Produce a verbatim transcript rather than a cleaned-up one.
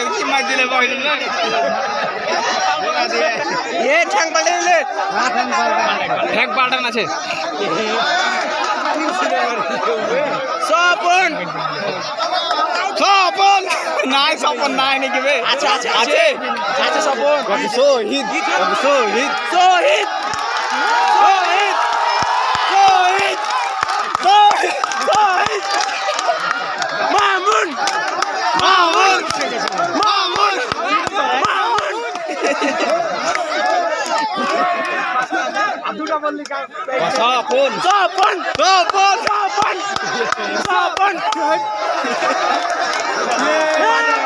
কি মার দিলে বহিল না এ ঠ্যাং পাল্টে দিলে ঠ্যাং পাল্টান আছে স্বপন স্বপন নাই স্বপন নাই নাকি বে আচ্ছা আচ্ছা আছে আছে স্বপন শহীদ শহীদ শহীদ শহীদ শহীদ শহীদ শহীদ মামুন মামুন মামুন মামুন স্বপন স্বপন স্বপন স্বপন স্বপন